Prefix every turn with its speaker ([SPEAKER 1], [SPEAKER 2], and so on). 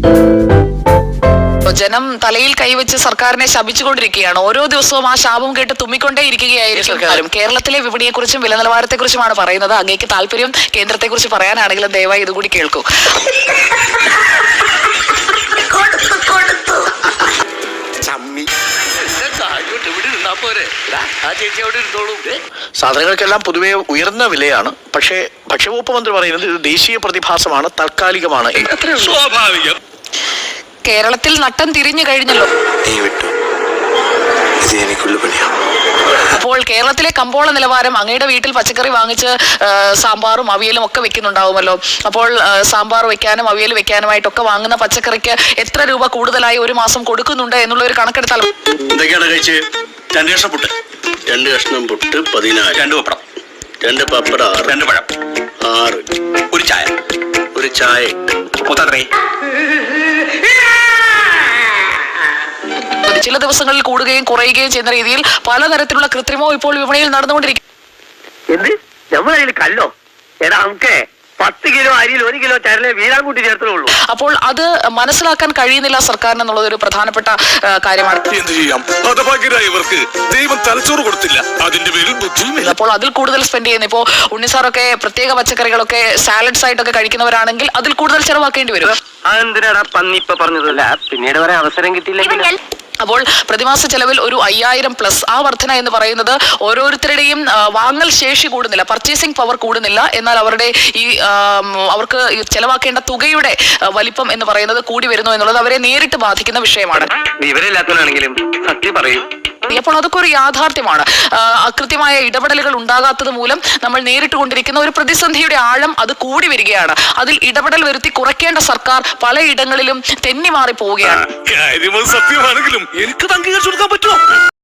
[SPEAKER 1] ജനം തലയിൽ കൈവച്ച് സർക്കാരിനെ ശപിച്ചുകൊണ്ടിരിക്കുകയാണ്. ഓരോ ദിവസവും ആ ശാപം കേട്ട് തുമ്മിക്കൊണ്ടേ ഇരിക്കുകയായിരിക്കും. കേരളത്തിലെ വിപണിയെക്കുറിച്ചും വില നിലവാരത്തെക്കുറിച്ചുമാണ് പറയുന്നത്. അങ്ങേക്ക് താല്പര്യം കേന്ദ്രത്തെക്കുറിച്ച് പറയാനാണെങ്കിലും ദയവായി ഇതുകൂടി കേൾക്കൂ.
[SPEAKER 2] സാധനങ്ങൾക്കെല്ലാം പൊതുവെ ഉയർന്ന വിലയാണ്. പക്ഷേ ഭക്ഷ്യവകുപ്പ് മന്ത്രി പറയുന്നത് ഇത് ദേശീയ പ്രതിഭാസമാണ്, താൽക്കാലികമാണ്.
[SPEAKER 3] സ്വാഭാവികം.
[SPEAKER 1] കേരളത്തിൽ നട്ടം തിരിഞ്ഞു കഴിഞ്ഞല്ലോ. അപ്പോൾ കേരളത്തിലെ കമ്പോള നിലവാരം, അങ്ങയുടെ വീട്ടിൽ പച്ചക്കറി വാങ്ങിച്ച് സാമ്പാറും അവിയലും ഒക്കെ വെക്കുന്നുണ്ടാവുമല്ലോ. അപ്പോൾ സാമ്പാർ വെക്കാനും അവിയൽ വെക്കാനുമായിട്ടൊക്കെ വാങ്ങുന്ന പച്ചക്കറിക്ക് എത്ര രൂപ കൂടുതലായി ഒരു മാസം കൊടുക്കുന്നുണ്ട് എന്നുള്ള ഒരു കണക്കെടുത്താൽ
[SPEAKER 3] എന്തൊക്കെയാണ് കഴിച്ച്? 2 കഷ്ണം പുട്ട്,
[SPEAKER 4] 2 കഷ്ണം പുട്ട് 14,
[SPEAKER 3] 2 പപ്പടം,
[SPEAKER 4] 2 പപ്പടം,
[SPEAKER 3] 2 പഴം,
[SPEAKER 4] 6,
[SPEAKER 3] ഒരു ചായ,
[SPEAKER 4] ഒരു ചായ.
[SPEAKER 3] മൊത്തം
[SPEAKER 1] ചില ദിവസങ്ങളിൽ കൂടുകയും കുറയുകയും ചെയ്യുന്ന രീതിയിൽ പലതരത്തിലുള്ള കൃത്രിമവും ഇപ്പോൾ വിപണിയിൽ നടന്നുകൊണ്ടിരിക്കും.
[SPEAKER 5] എന്ത് നമ്മളതിൽ കല്ലോ? എടാ നമുക്ക് 10 കിലോ അരിയിൽ 1 കിലോ ചരലെ വീരാൻ കൂട്ടി ചേർത്തുള്ളൂ.
[SPEAKER 1] അപ്പോൾ അത് മനസ്സിലാക്കാൻ കഴിയുന്നില്ല സർക്കാരിന് എന്നുള്ളത് ഒരു പ്രധാനപ്പെട്ട കാര്യമാണ്.
[SPEAKER 3] എന്ത് ചെയ്യാം, ഹതഭാഗ്യരായവർക്ക് ദൈവം തലച്ചോറ് കൊടുത്തില്ല, അതിന്റെ പേരിൽ ബുദ്ധിയുമില്ല.
[SPEAKER 1] അപ്പോൾ അതിൽ കൂടുതൽ സ്പെൻഡ് ചെയ്യുന്നു. ഇപ്പോൾ ഉണ്ണിസാറൊക്കെ പ്രത്യേക പച്ചക്കറികളൊക്കെ സാലഡ്സ് ആയിട്ടൊക്കെ കഴിക്കുന്നവരാണെങ്കിൽ അതിൽ കൂടുതൽ ചെലവാക്കേണ്ടി വരും.
[SPEAKER 5] അതെന്തിനാടാ പന്നി ഇപ്പൊ പറഞ്ഞതല്ല, പിന്നീട് പറയാൻ അവസരം കിട്ടിയില്ലെങ്കിൽ.
[SPEAKER 1] അപ്പോൾ പ്രതിമാസ ചെലവിൽ ഒരു 5000+ ആ വർധന എന്ന് പറയുന്നത് ഓരോരുത്തരുടെയും വാങ്ങൽ ശേഷി കൂടുന്നില്ല, പർച്ചേസിംഗ് പവർ കൂടുന്നില്ല. എന്നാൽ അവരുടെ അവർക്ക് ചെലവാക്കേണ്ട തുകയുടെ വലിപ്പം എന്ന് പറയുന്നത് കൂടി വരുന്നു എന്നുള്ളത് അവരെ നേരിട്ട് ബാധിക്കുന്ന വിഷയമാണ്.
[SPEAKER 5] വിവരമില്ലാത്തവനാണെങ്കിലും സത്യം പറയൂ.
[SPEAKER 1] അപ്പോൾ അതൊക്കെ ഒരു യാഥാർത്ഥ്യമാണ്. കൃത്യമായ ഇടപെടലുകൾ ഉണ്ടാകാത്തത് മൂലം നമ്മൾ നേരിട്ട് കൊണ്ടിരിക്കുന്ന ഒരു പ്രതിസന്ധിയുടെ ആഴം അത് കൂടി വരികയാണ്. അതിൽ ഇടപെടൽ വരുത്തി കുറയ്ക്കേണ്ട സർക്കാർ പലയിടങ്ങളിലും തെന്നി മാറി പോവുകയാണ്.
[SPEAKER 3] സത്യമാണെങ്കിലും എനിക്ക് അംഗീകരിച്ചു കൊടുക്കാൻ പറ്റുമോ?